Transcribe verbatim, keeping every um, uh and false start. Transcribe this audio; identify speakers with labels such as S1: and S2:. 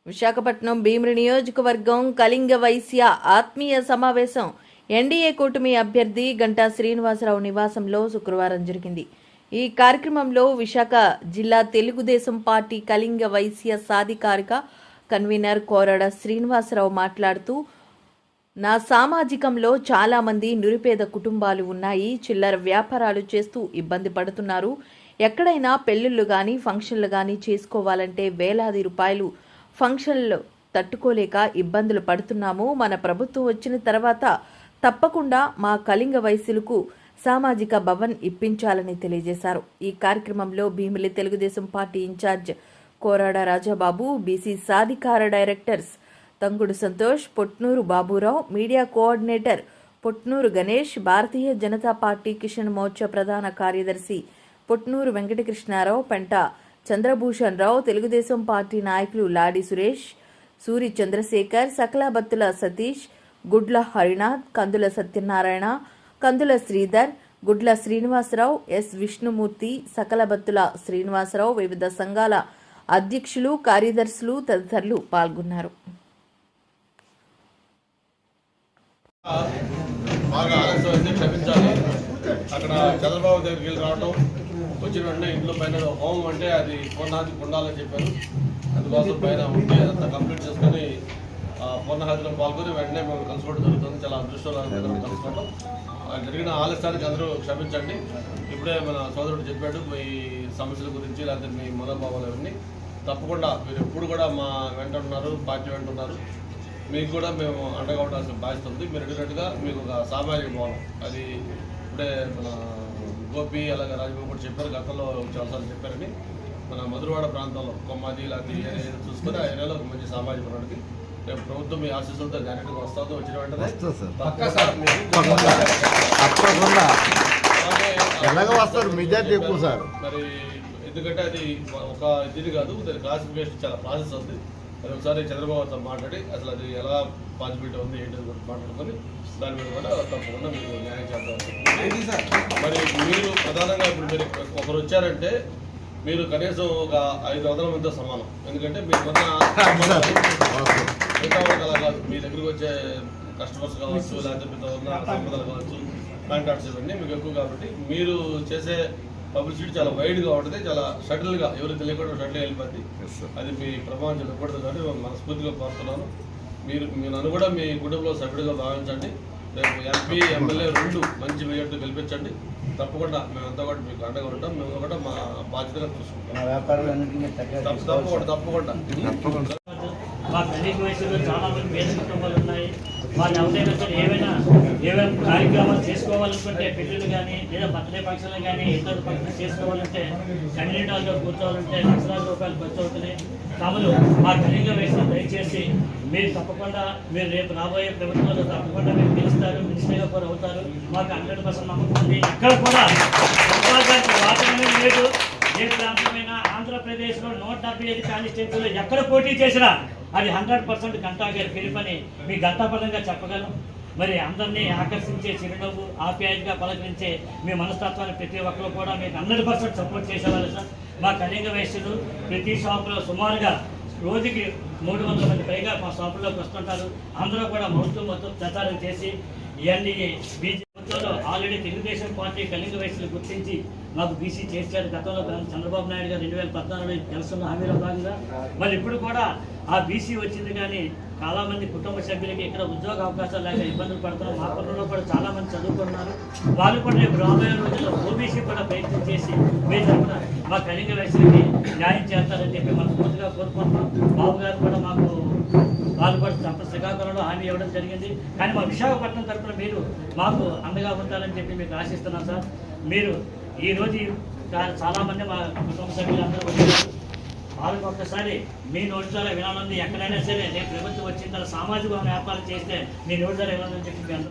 S1: విశాఖపట్నం భీమిలి నియోజకవర్గం కళింగ వైశ్య ఆత్మీయ సమావేశం ఎన్డీఏ కూటమి అభ్యర్థి గంటా శ్రీనివాసరావు నివాసంలో శుక్రవారం జరిగింది. ఈ కార్యక్రమంలో విశాఖ జిల్లా తెలుగుదేశం పార్టీ కళింగ వైశ్య సాధికారిక కన్వీనర్ కోరడ శ్రీనివాసరావు మాట్లాడుతూ, నా సామాజికంలో చాలా మంది నిరుపేద కుటుంబాలు ఉన్నాయి. చిల్లర వ్యాపారాలు చేస్తూ ఇబ్బంది పడుతున్నారు. ఎక్కడైనా పెళ్లిళ్ళు కానీ ఫంక్షన్లు కానీ చేసుకోవాలంటే వేలాది రూపాయలు ఫంక్షన్లు తట్టుకోలేక ఇబ్బందులు పడుతున్నాము. మన ప్రభుత్వం వచ్చిన తర్వాత తప్పకుండా మా కళింగ వైశ్యులకు సామాజిక భవన్ ఇప్పించాలని తెలియజేశారు. ఈ కార్యక్రమంలో Bheemili Telugu Desam party incharge Korada Rajababu, BC సాధికార directors Tangudu Santosh, Potnuru Baburao, media coordinator Potnuru Ganesh, Bharatiya Janata party Kisan Morcha ప్రధాన కార్యదర్శి పొట్నూరు వెంకటకృష్ణారావు, పెంట చంద్రభూషణ్ రావు, తెలుగుదేశం పార్టీ నాయకులు లాడి సురేష్, సూరి చంద్రశేఖర్, సకలాబత్తుల సతీష్, గుడ్ల హరినాథ్, కందుల సత్యనారాయణ, కందుల శ్రీధర్, గుడ్ల శ్రీనివాసరావు, ఎస్ విష్ణుమూర్తి, సకలబత్తుల శ్రీనివాసరావు, వివిధ సంఘాల అధ్యక్షులు, కార్యదర్శులు తదితరులు పాల్గొన్నారు.
S2: బాగా ఆలస్యం అయితే క్షమించాలి. అక్కడ చంద్రబాబు దగ్గరికి వెళ్ళి రావడం, వచ్చిన వెంటనే ఇంట్లో పైన హోమం అంటే అది పూర్ణాహతి ఉండాలని చెప్పారు. అందుకోసం పైన ఉంటే అదంతా కంప్లీట్ చేసుకొని పూర్ణాహతిలో పాల్గొని వెంటనే మేము కలుసుకోవడం జరుగుతుంది. చాలా అదృష్టంగా కలుసుకోవడం జరిగిన ఆలస్యానికి అందరూ క్షమించండి. ఇప్పుడే మన సోదరుడు చెప్పాడు మీ సమస్యల గురించి, లేకపోతే మీ మనోభావాలు అవన్నీ. తప్పకుండా మీరు ఎప్పుడు కూడా మా వెంట ఉన్నారు, పార్టీ వెంట ఉన్నారు. మీకు కూడా మేము అండగా ఉండాల్సిన బాధ్యత ఉంది. మీరు అడిగినట్టుగా మీకు ఒక సామాజిక భవనం, అది ఇప్పుడే మన గోపి అలాగే రాజబాబు కూడా చెప్పారు, గతంలో చాలాసార్లు చెప్పారని. మన మధురవాడ ప్రాంతంలో కొమ్మాది లాంటి ఏరియా చూసుకొని ఆ ఏరియాలో ఒక మంచి సామాజిక భవనానికి రేపు ప్రభుత్వం మీ ఆశీస్సులతో డైరెక్ట్గా వస్తుందో వచ్చిన వెంటనే మరి ఎందుకంటే అది ఒక ఇది కాదు, దాని క్లాసిఫికేషన్ చాలా ప్రాసెస్ ఉంది. అది ఒకసారి చంద్రబాబుతో మాట్లాడి అసలు అది ఎలా పాసిబిలిటీ ఉంది ఏంటి కూడా మాట్లాడుకొని దాని మీద కూడా తప్పకుండా మీకు న్యాయం చేద్దాం. మరి మీరు ప్రధానంగా ఇప్పుడు మీరు ఒకరు వచ్చారంటే మీరు కనీసం ఒక ఐదు వందల మందితో సమానం. ఎందుకంటే మీరు కొన్న మిగతా అలా కాదు, మీ దగ్గరికి వచ్చే కస్టమర్స్ కావచ్చు, లేకపోతే మీతో ఉన్న సంపదలు కావచ్చు, కాంటాక్ట్స్ ఇవన్నీ మీకు ఎక్కువ. కాబట్టి మీరు చేసే పబ్లిసిటీ చాలా వైడ్గా ఉంటుంది, చాలా షటిల్గా ఎవరు తెలియకుండా షటిల్ వెళ్ళిపోద్ది. అది మీ ప్రభావం చెప్పకూడదు కానీ మనస్ఫూర్తిగా కోరుతున్నాను. మీరు మీ నన్ను కూడా మీ కుటుంబంలో సభ్యుడిగా భావించండి. రేపు ఎంపీ ఎమ్మెల్యే రెండు మంచి మెజార్టీ గెలిపించండి. తప్పకుండా మేమంతా కూడా మీకు అండగా ఉంటాం. మేము కూడా మా బాధ్యతగా చూసుకుంటాం. తప్పకుండా తప్పకుండా
S3: మా కళింగ వయసులో చాలా మంది పేద కుటుంబాలు ఉన్నాయి. వాళ్ళు ఎవరైనా సరే ఏమైనా ఏమైనా కార్యక్రమాలు చేసుకోవాలనుకుంటే, పెళ్ళిళ్ళు కానీ లేదా బర్త్డే ఫంక్షన్లు కానీ ఇతర ఫంక్షన్లు చేసుకోవాలంటే, కమ్యూనిటీ హాల్లో కూర్చోవాలంటే లక్షలాది రూపాయలు ఖర్చు అవుతుంది. కాబట్టి మా కళింగ వయసులో దయచేసి మీరు తప్పకుండా మీరు రేపు రాబోయే ప్రభుత్వంలో తప్పకుండా మీరు గెలుస్తారు, మినిస్టర్గా కూడా అవుతారు. మాకు హండ్రెడ్ పర్సెంట్ నమ్మకం ఉంది. ఎక్కడ కూడా వాతావరణం లేదు. ఏ ప్రాంతమైనా ఆంధ్రప్రదేశ్లో నూట డెబ్బై ఐదు కాన్స్టిట్యూన్సీలో ఎక్కడ పోటీ చేసినా అది హండ్రెడ్ పర్సెంట్ గంటా గారి పిలుపని మీ గంటాపరంగా చెప్పగలం. మరి అందరినీ ఆకర్షించే చిరునవ్వు, ఆప్యాయంగా పలకరించే మీ మనస్తత్వాన్ని ప్రతి ఒక్కరు కూడా మీకు హండ్రెడ్ పర్సెంట్ సపోర్ట్ చేసేవాళ్ళు సార్. మా కళింగ వైశ్యులు ప్రతి షాపులో సుమారుగా రోజుకి మూడు వందల మంది పైగా మా షాపుల్లోకి వస్తుంటారు. అందరూ కూడా మొత్తం మొత్తం ప్రచారం చేసి ఇవన్నీ BJP already Telugu Desam party Kalinga వయసులు గుర్తించి మాకు బీసీ చేశారు. గతంలో చంద్రబాబు నాయుడు గారు రెండు వేల పద్నాలుగులో తెలుసున్న హామీలో భాగంగా మరి ఇప్పుడు కూడా ఆ బీసీ వచ్చింది. కానీ చాలామంది కుటుంబ సభ్యులకి ఇక్కడ ఉద్యోగ అవకాశాలు లేక ఇబ్బందులు పడుతున్నారు. మా కుటుంబంలో కూడా చాలామంది చదువుకున్నారు. వాళ్ళు కూడా రేపు రాబోయే రోజుల్లో ఓబీసీ కూడా ప్రయత్నం చేసి మీరు కూడా మా కళింగ వయసులకి న్యాయం చేస్తారని చెప్పి మనం పూర్తిగా కోరుకుంటున్నాం. బాబు గారు కూడా మాకు వాళ్ళు కూడా తప్ప శ్రీకాకుళంలో హామీ ఇవ్వడం జరిగింది. కానీ మా విశాఖపట్నం తరఫున మీరు మాకు అండగా ఉంటారని చెప్పి మీకు ఆశిస్తున్నాం సార్. మీరు ఈరోజు చాలామంది మా కుటుంబ సభ్యులందరూ వచ్చారు. వాళ్ళకి ఒక్కసారి మీ నోటి ద్వారా వినాలని, ఎక్కడైనా సరే రేపు ప్రభుత్వం వచ్చిన తర్వాత సామాజిక వ్యాపారం చేస్తే మీ నోటి ద్వారా వినాలని చెప్పి